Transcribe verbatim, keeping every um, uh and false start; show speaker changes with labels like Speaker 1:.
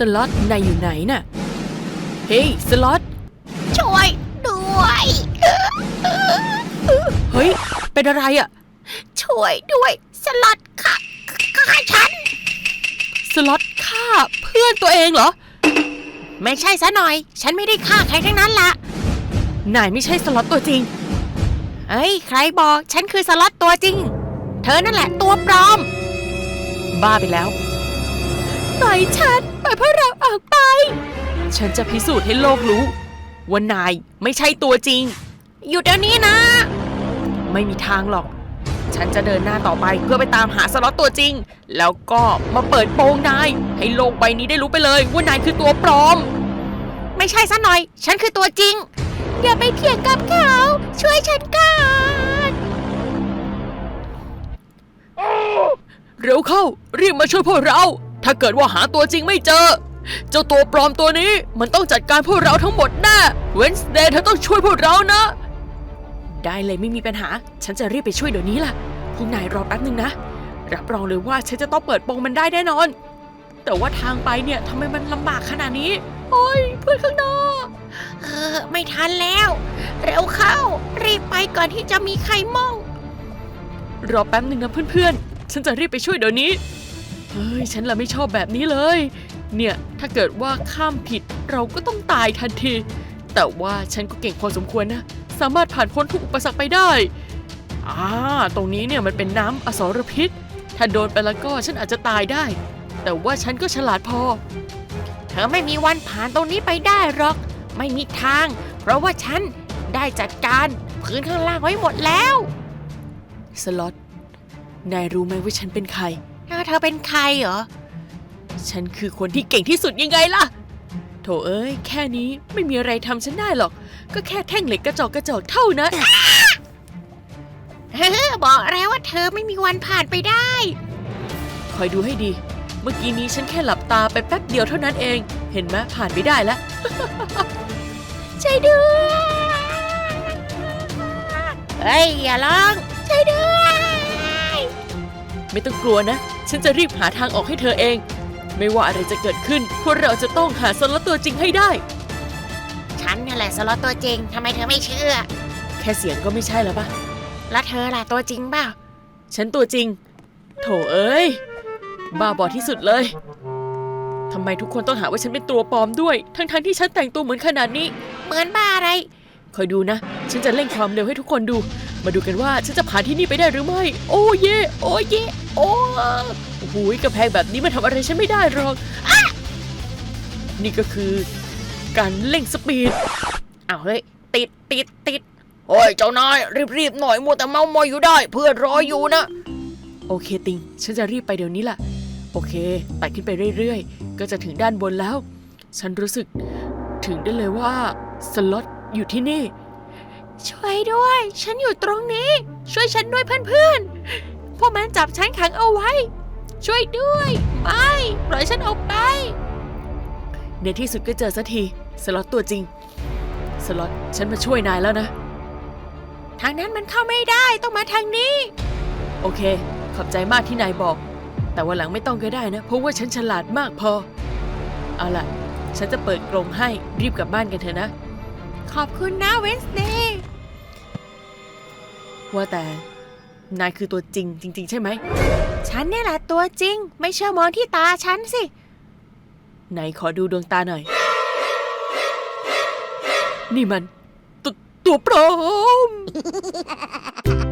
Speaker 1: ล็อตนายอยู่ไหนน่ะเฮ้ยสล็อต
Speaker 2: ช่วยด้วย
Speaker 1: เฮ้ยเป็นอะไรอ่ะ
Speaker 2: ช่วยด้วยสล็อตค่ะฆ่าฉัน
Speaker 1: สล็อตฆ่าเพื่อนตัวเองเหรอ
Speaker 2: ไม่ใช่ซะหน่อยฉันไม่ได้ฆ่าใครทั้งนั้นละ
Speaker 1: นายไม่ใช่สล็อตตัวจริง
Speaker 2: เอ้ยใครบอกฉันคือสล็อตตัวจริงเธอนั่นแหละตัวปลอม
Speaker 1: บ้าไปแล้วปล่อยฉันปล่อยพวกเราออกไปฉันจะพิสูจน์ให้โลกรู้ว่านายไม่ใช่ตัวจริง
Speaker 2: หยุดเดี๋ยวนี้นะ
Speaker 1: ไม่มีทางหรอกฉันจะเดินหน้าต่อไปเพื่อไปตามหาสล็อตตัวจริงแล้วก็มาเปิดโปงนายให้โลกใบนี้ได้รู้ไปเลยว่านายคือตัวปลอม
Speaker 2: ไม่ใช่ซะหน่อยฉันคือตัวจริงอย่าไปเถียงกับเขาช่วยฉันก่อน
Speaker 1: เร็วเข้ารีบมาช่วยพวกเราถ้าเกิดว่าหาตัวจริงไม่เจอเจ้าตัวปลอมตัวนี้มันต้องจัดการพวกเราทั้งหมดแน่เวนส์เดย์เธอต้องช่วยพวกเรานะได้เลยไม่มีปัญหาฉันจะรีบไปช่วยเดี๋ยวนี้ล่ะพวกนายรอแป๊บนึงนะรับรองเลยว่าฉันจะต้องเปิดโปงมันได้แน่นอนแต่ว่าทางไปเนี่ยทำไมมันลำบากขนาดนี้โอ้ยเพื่อนข้างนอก
Speaker 2: เออไม่ทันแล้วเร็วเข้ารีบไปก่อนที่จะมีใครมอง
Speaker 1: รอแป๊บนึงนะเพื่อนๆฉันจะรีบไปช่วยเดี๋ยวนี้เฮ้ยฉันละไม่ชอบแบบนี้เลยเนี่ยถ้าเกิดว่าข้ามผิดเราก็ต้องตายทันทีแต่ว่าฉันก็เก่งพอสมควรนะสามารถผ่านพ้นทุกอุปสรรคไปได้อ่าตรงนี้เนี่ยมันเป็นน้ำอสรพิษถ้าโดนไปแล้วก็ฉันอาจจะตายได้แต่ว่าฉันก็ฉลาดพอ
Speaker 2: เธอไม่มีวันผ่านตรงนี้ไปได้หรอกไม่มีทางเพราะว่าฉันได้จัดการพื้นข้างล่างไว้หมดแล้ว
Speaker 1: สล็อตนายรู้ไหมว่าฉันเป็นใคร
Speaker 2: เธอเป็นใครเหรอ
Speaker 1: ฉันคือคนที่เก่งที่สุดยังไงล่ะโถเอ้ยแค่นี้ไม่มีอะไรทำฉันได้หรอกก็แค่แท่งเหล็กกระจอกกระจอกเท่านั้น
Speaker 2: เฮ้อบอกแล้วว่าเธอไม่มีวันผ่านไปได้
Speaker 1: คอยดูให้ดีเมื่อกี้นี้ฉันแค่หลับตาไปแป๊บเดียวเท่านั้นเองเห็นไหมผ่านไปได้แล้ว
Speaker 2: ช่วยด้วยเฮ้ยอย่าร้องช่วยด้วย
Speaker 1: ไม่ต้องกลัวนะฉันจะรีบหาทางออกให้เธอเองไม่ว่าอะไรจะเกิดขึ้นพวกเราจะต้องหาสล็อตตัวจริงให้ได้
Speaker 2: ฉันนี่แหละสล็อตตัวจริงทำไมเธอไม่เชื่อ
Speaker 1: แค่เสียงก็ไม่ใช่แล้วปะ
Speaker 2: แล้วเธอล่ะตัวจริงเปล่า
Speaker 1: ฉันตัวจริงโถเอ้ยบ้าบอที่สุดเลยทำไมทุกคนต้องหาว่าฉันเป็นตัวปลอมด้วยทั้งๆ ท, ที่ฉันแต่งตัวเหมือนขนาดนี้
Speaker 2: เหมือนบ้าอะไร
Speaker 1: คอยดูนะฉันจะเร่งความเร็วให้ทุกคนดูมาดูกันว่าฉันจะผ่านที่นี่ไปได้หรือไม่โอ้เย่โอ้เย่โอ้โหกระแพงแบบนี้มันทำอะไรฉันไม่ได้หรอกนี่ก็คือการเร่งสปีด
Speaker 2: อ้าวเฮ้ยติดติดติด
Speaker 1: โอ้ยเจ้านายรีบๆหน่อยมัวแต่เมามอยอยู่ได้เพื่อนรออยู่นะโอเคติงฉันจะรีบไปเดี๋ยวนี้ล่ะโอเคไต่ขึ้นไปเรื่อยๆก็จะถึงด้านบนแล้วฉันรู้สึกถึงได้เลยว่าสล็อตอยู่ที่นี่
Speaker 2: ช่วยด้วยฉันอยู่ตรงนี้ช่วยฉันด้วยเพื่อนๆพวกมันจับฉันขังเอาไว้ช่วยด้วยไม่ปล่อยฉันออกไป
Speaker 1: ในที่สุดก็เจอสักทีสล็อตตัวจริงสล็อตฉันมาช่วยนายแล้วนะ
Speaker 2: ทางนั้นมันเข้าไม่ได้ต้องมาทางนี้
Speaker 1: โอเคขอบใจมากที่นายบอกแต่วันหลังไม่ต้องก็ได้นะเพราะว่าฉันฉลาดมากพอเอาล่ะฉันจะเปิดกรงให้รีบกลับบ้านกันเถอะนะ
Speaker 2: ขอบคุณนะเวนส์เดย์
Speaker 1: ว่าแต่นายคือตัวจริงจริงๆใช่ไหม
Speaker 2: ฉันนี่แหละตัวจริงไม่เชื่อมองที่ตาฉันสิ
Speaker 1: ไหนขอดูดวงตาหน่อยนี่มันตัวตัวปลอม